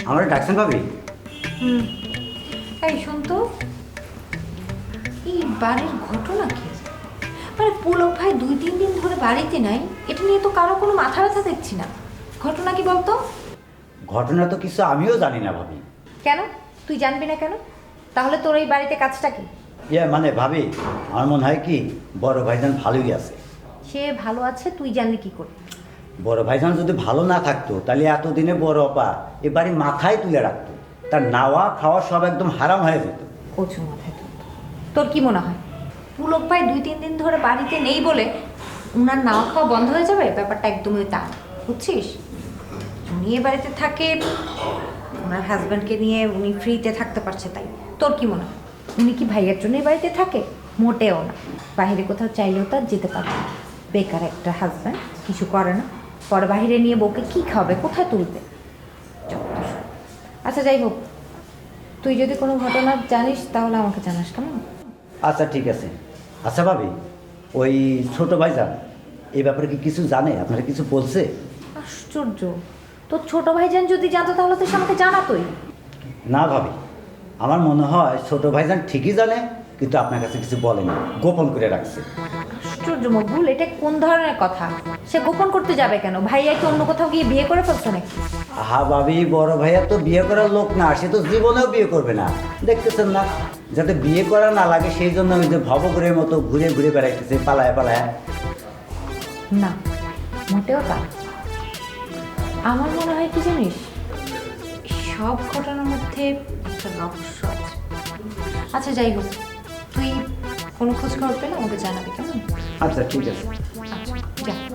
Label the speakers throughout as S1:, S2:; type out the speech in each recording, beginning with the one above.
S1: আমরা ডাকছেন ভাবি?
S2: হুম। এই শোন তো, এই বাড়ির ঘটনা কি? মানে পুলক ভাই 2-3 দিন ধরে বাড়িতে নাই, এটা নিয়ে তো কারো কোনো মাথা ব্যথা দেখছি না। ঘটনা কি বলতো?
S1: ঘটনা তো কিছু আমিও জানি না ভাবি।
S2: কেন তুই জানবি না কেন? তাহলে তোর এই বাড়িতে কাজটা কি?
S1: মানে ভাবি, আমার মনে হয় কি বড় ভাইজান ভালোই আছে।
S2: সে ভালো আছে, তুই জানলি কি করে?
S1: বড় ভাইজান যদি ভালো না থাকতো তাহলে এতদিনে বড় অপা এ বাড়ি মাথায় তুলে রাখতো, তার নাওয়া খাওয়া সব একদম হারাম হয়ে যেত।
S2: কচু মাথায় তোর। তোর কি মনে হয় পুলক ভাই 2-3 দিন ধরে বাড়িতে নেই বলে উনার নাওয়া খাওয়া বন্ধ হয়ে যাবে? ব্যাপারটা একদমই তা, বুঝছিস? উনি এ বাড়িতে থাকে, ওনার হাজব্যান্ডকে নিয়ে উনি ফ্রিতে থাকতে পারছে, তাই তোর কি মনে হয় উনি কি ভাইয়ের জন্য এই বাড়িতে থাকে? মোটেও না। বাইরে কোথাও চাইলেও তার যেতে পারবে না। বেকার একটা হাজব্যান্ড, কিছু করে না, পরে বাইরে নিয়ে বউকে কী খাবে, কোথায় তুলবে? যত্তসব। আচ্ছা যাই হোক, তুই যদি কোনো ঘটনা জানিস তাহলে আমাকে জানাস, কেমন?
S1: আচ্ছা ঠিক আছে। আচ্ছা ভাবি, ওই ছোট ভাইজান এই ব্যাপারে কি কিছু জানে? আপনারা কিছু বলছে?
S2: আশ্চর্য, তোর ছোট ভাইজান যদি জানতো তাহলে তো সে আমাকে জানাতোই।
S1: না ভাবি, আমার মনে হয় ছোট ভাইজান ঠিকই জানে, কিন্তু আপনার কাছে কিছু বলেনি, গোপন করে রাখছে।
S2: আশ্চর্য মকবুল, এটা কোন ধরনের কথা? সে গোপন করতে যাবে কেন? ভাইয়া কি অন্য কোথাও গিয়ে বিয়ে করে ফেলছে নাকি?
S1: আহা ভাবি, বড় ভাইয়া তো বিয়ে করার লোক না, সে তো জীবনেও বিয়ে করবে না। দেখতেছেন না, যাতে বিয়ে করা না লাগে সেই জন্য ওই যে ভবঘুরের মতো ঘুরে ঘুরে বেড়াইতেছে পালায় পালায়।
S2: না, মোটেও তা। আমার মনে হয় কি জানিস, সব ঘটনার মধ্যে একটা রহস্য আছে। আচ্ছা যাই হোক, তুই কোনো খোঁজ খবর পেলে আমাকে জানাবি, কেমন?
S1: আচ্ছা ঠিক আছে।
S2: আচ্ছা যা।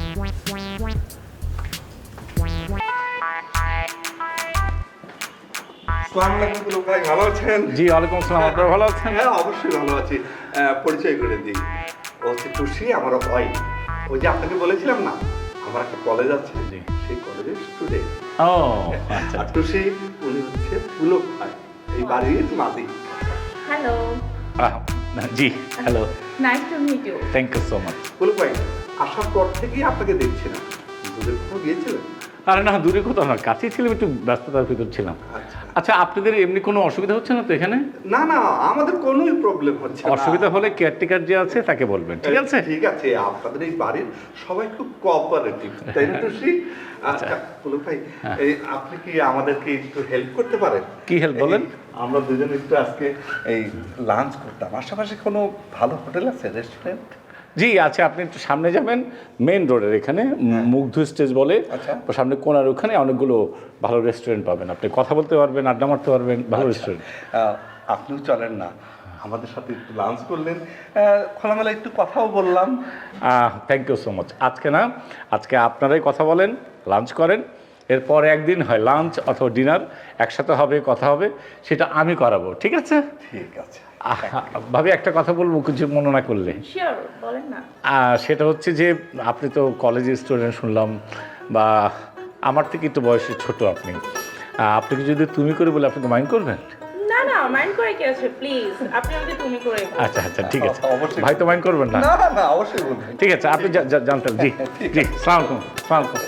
S3: আসসালামু আলাইকুম পুলক ভাই, ভালো আছেন?
S4: জি ওয়ালাইকুম আসসালাম, আপনারা ভালো আছেন?
S3: হ্যাঁ অবশ্যই ভালো আছি। পরিচয় করে দিই, ও হচ্ছে টুসি, আমার ভাই। ওই যে আপনাকে বলেছিলাম না, আমার একটা কলেজ আছে,
S4: জি।
S3: সেই কলেজের স্টুডেন্ট।
S4: ও আচ্ছা
S3: আর টুসি উনি হচ্ছে পুলক ভাই, এই বাড়ির মালিক।
S5: Hello,
S4: জি hello,
S5: nice to meet you.
S4: Thank you so much.
S3: Pulak ভাই, আসার পর থেকেই আপনাকে দেখছি না, দূরে কোথাও গিয়েছিলেন?
S4: আরে না, দূরে কোথাও না, কাছেই ছিলাম, একটু ব্যস্ততার ভিতর ছিলাম।
S3: আচ্ছা।
S4: আচ্ছা, আপনাদের এমনি কোনো অসুবিধা হচ্ছে না তো এখানে?
S3: না না, আমাদের কোনোই প্রবলেম হচ্ছে না।
S4: অসুবিধা হলে কেয়ারটেকার যে আছে তাকে বলবেন, ঠিক আছে?
S3: ঠিক আছে, আপনাদের এই বাড়ির সবাই খুব কোঅপারেটিভ, তাই না টুসি? আচ্ছা পুলক ভাই, এই আপনি কি আমাদেরকে একটু হেল্প করতে পারেন?
S4: কি help বলেন?
S3: আমরা দুজন একটু আজকে এই লাঞ্চ করতাম, আশেপাশে কোনো ভালো হোটেল আছে, রেস্টুরেন্ট?
S4: জি আছে, আপনি একটু সামনে যাবেন, মেইন রোডের এখানে মুগ্ধ স্টেজ বলে,
S3: আচ্ছা।
S4: সামনে কোনার ওখানে অনেকগুলো ভালো রেস্টুরেন্ট পাবেন, আপনি কথা বলতে পারবেন, আড্ডা মারতে পারবেন, ভালো রেস্টুরেন্ট।
S3: আপনিও চলেন না, আমাদের সাথে একটু লাঞ্চ করলেন, খোলামেলা একটু কথাও বললাম।
S4: Thank you so much. আজকে না, আজকে আপনারাই কথা বলেন, লাঞ্চ করেন, এরপর একদিন হয় লাঞ্চ অথবা ডিনার একসাথে হবে, কথা হবে, সেটা আমি করাবো, ঠিক আছে?
S3: ঠিক আছে।
S4: ভাবি একটা কথা বলবো, কিছু মনে না করলে।
S5: Sure, বলেন না।
S4: সেটা হচ্ছে যে আপনি তো কলেজের স্টুডেন্ট শুনলাম, বা আমার থেকে একটু বয়সে ছোট আপনি, আপনাকে যদি তুমি করে বলে আপনি তো মাইন্ড করবেন?
S5: না না, মাইন্ড করে কি আছে, প্লিজ আপনি আমাকে তুমি করে বলুন।
S4: আচ্ছা আচ্ছা ঠিক আছে,
S3: অবশ্যই।
S4: ভাই তো মাইন্ড করবেন না?
S3: না না, অবশ্যই বলবেন।
S4: ঠিক আছে, আপনি জানতেন। জি জি, সালাম আলাইকুম। সালাম আলাইকুম।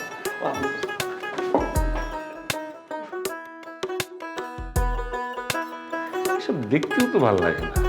S4: এসব দেখতেও তো ভালো লাগে না।